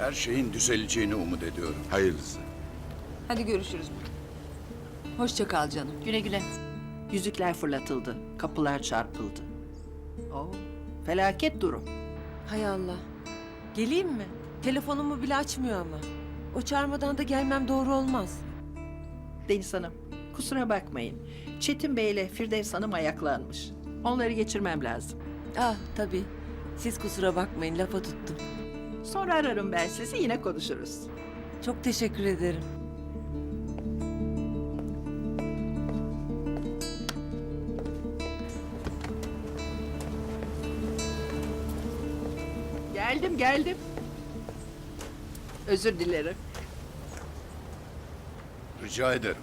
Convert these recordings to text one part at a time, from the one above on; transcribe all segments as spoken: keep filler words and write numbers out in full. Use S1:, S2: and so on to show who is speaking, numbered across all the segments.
S1: Her şeyin düzeleceğini umut ediyorum.
S2: Hayırlısı.
S3: Hadi görüşürüz. Hoşça kal canım.
S4: Güle güle.
S5: Yüzükler fırlatıldı, kapılar çarpıldı. Oo, felaket durum.
S6: Hay Allah. Geleyim mi? Telefonumu bile açmıyor ama. O çağırmadan da gelmem doğru olmaz.
S5: Deniz Hanım, kusura bakmayın. Çetin Bey ile Firdevs Hanım ayaklanmış. Onları geçirmem lazım.
S6: Ah tabii. Siz kusura bakmayın, lafa tuttum.
S5: Sonra ararım ben sizi, yine konuşuruz.
S6: Çok teşekkür ederim.
S5: Geldim, geldim. Özür dilerim.
S1: Rica ederim.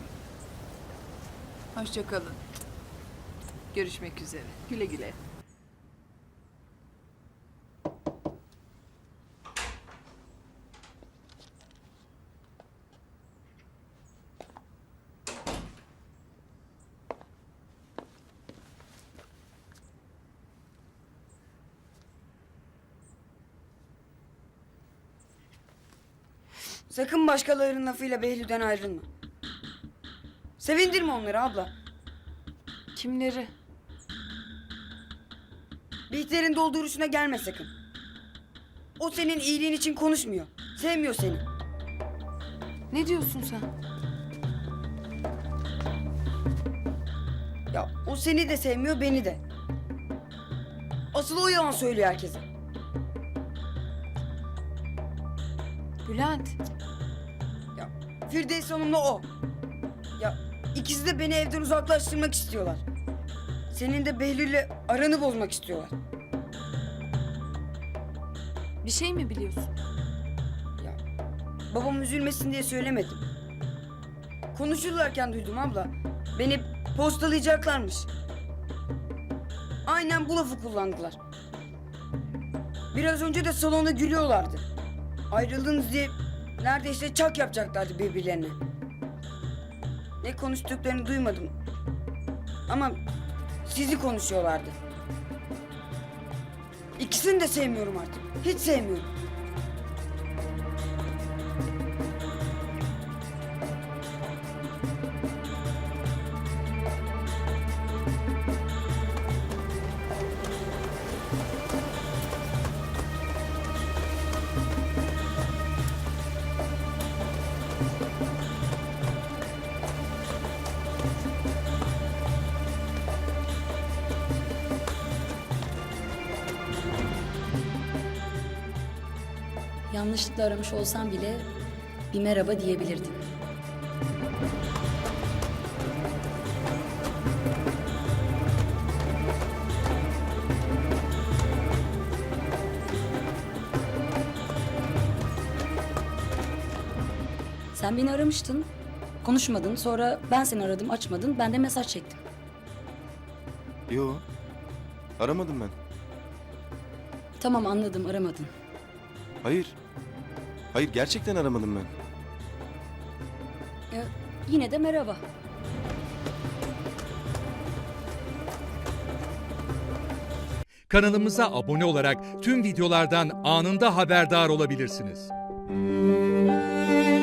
S3: Hoşça kalın. Görüşmek üzere.
S5: Güle güle.
S7: Sakın başkalarının lafıyla Behlül'den ayrılma. Sevindirme onları abla.
S3: Kimleri?
S7: Bihter'in dolduruşuna gelme sakın. O senin iyiliğin için konuşmuyor. Sevmiyor seni.
S3: Ne diyorsun sen?
S7: Ya o seni de sevmiyor, beni de. Asıl o yalan söylüyor herkese.
S3: Bülent.
S7: Ya Firdevs Hanım'la o. Ya ikisi de beni evden uzaklaştırmak istiyorlar. Senin de Behlül'le aranı bozmak istiyorlar.
S3: Bir şey mi biliyorsun?
S7: Ya babam üzülmesin diye söylemedim. Konuşurlarken duydum abla. Beni postalayacaklarmış. Aynen bu lafı kullandılar. Biraz önce de salonda gülüyorlardı. Ayrıldınız diye neredeyse çak yapacaklardı birbirlerine. Ne konuştuklarını duymadım. Ama sizi konuşuyorlardı. İkisini de sevmiyorum artık. Hiç sevmiyorum.
S8: Yanlışlıkla aramış olsam bile bir merhaba diyebilirdin. Sen beni aramıştın, konuşmadın. Sonra ben seni aradım, açmadın. Ben de mesaj çektim.
S2: Yo. Aramadım ben.
S8: Tamam, anladım, aramadın.
S2: Hayır. Hayır, gerçekten aramadım ben.
S8: Ee, yine de merhaba.
S9: Kanalımıza abone olarak tüm videolardan anında haberdar olabilirsiniz.